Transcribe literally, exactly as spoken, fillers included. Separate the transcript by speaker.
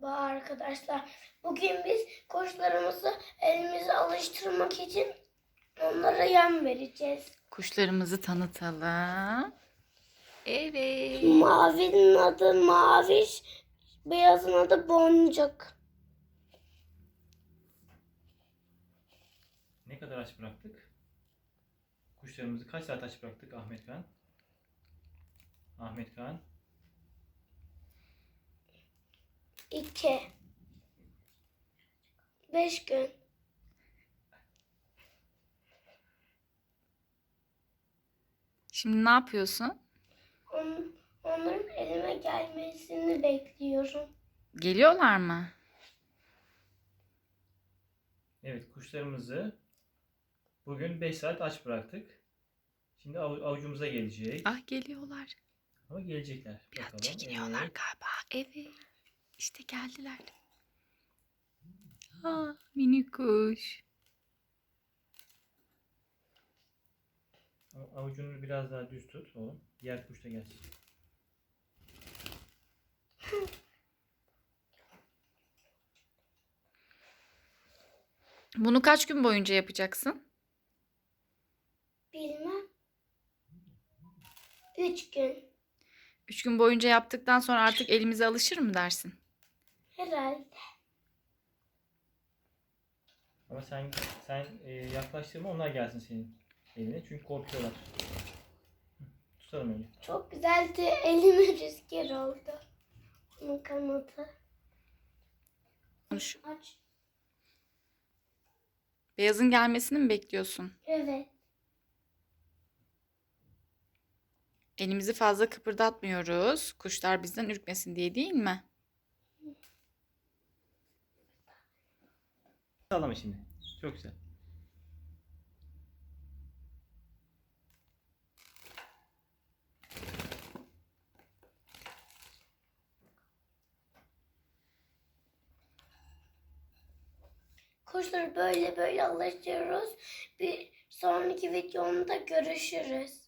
Speaker 1: Merhaba arkadaşlar. Bugün biz kuşlarımızı elimize alıştırmak için onlara yem vereceğiz.
Speaker 2: Kuşlarımızı tanıtalım. Evet.
Speaker 1: Mavinin adı Maviş, beyazın adı Boncuk.
Speaker 3: Ne kadar aç bıraktık? Kuşlarımızı kaç saat aç bıraktık Ahmet Kan? Ahmet Kan.
Speaker 1: İki. Beş gün.
Speaker 2: Şimdi ne yapıyorsun?
Speaker 1: On, onların elime gelmesini bekliyorum.
Speaker 2: Geliyorlar mı?
Speaker 3: Evet, kuşlarımızı bugün beş saat aç bıraktık. Şimdi av- avucumuza gelecek.
Speaker 2: Ah, geliyorlar.
Speaker 3: Ama gelecekler.
Speaker 2: Biraz
Speaker 3: Bakalım.
Speaker 2: çekiniyorlar
Speaker 3: Evet.
Speaker 2: galiba. Evet. İşte geldiler. Aa, minik kuş.
Speaker 3: Av- Avucunu biraz daha düz tut oğlum. Diğer kuş da gelsin.
Speaker 2: Bunu kaç gün boyunca yapacaksın?
Speaker 1: Bilmem. Üç gün.
Speaker 2: Üç gün boyunca yaptıktan sonra artık elimize alışır mı dersin?
Speaker 1: Herhalde.
Speaker 3: Ama sen sen e, yaklaştırma, onlar gelsin senin eline. Çünkü korkuyorlar. Hı, tutalım öyle.
Speaker 1: Çok güzeldi. Elime rüzgar oldu. Onun kanadı.
Speaker 2: Konuş.
Speaker 1: Aç.
Speaker 2: Beyazın gelmesini mi bekliyorsun?
Speaker 1: Evet.
Speaker 2: Elimizi fazla kıpırdatmıyoruz. Kuşlar bizden ürkmesin diye, değil mi?
Speaker 3: Sağlama şimdi. Çok güzel.
Speaker 1: Kuşları böyle böyle alıştırıyoruz. Bir sonraki videomda görüşürüz.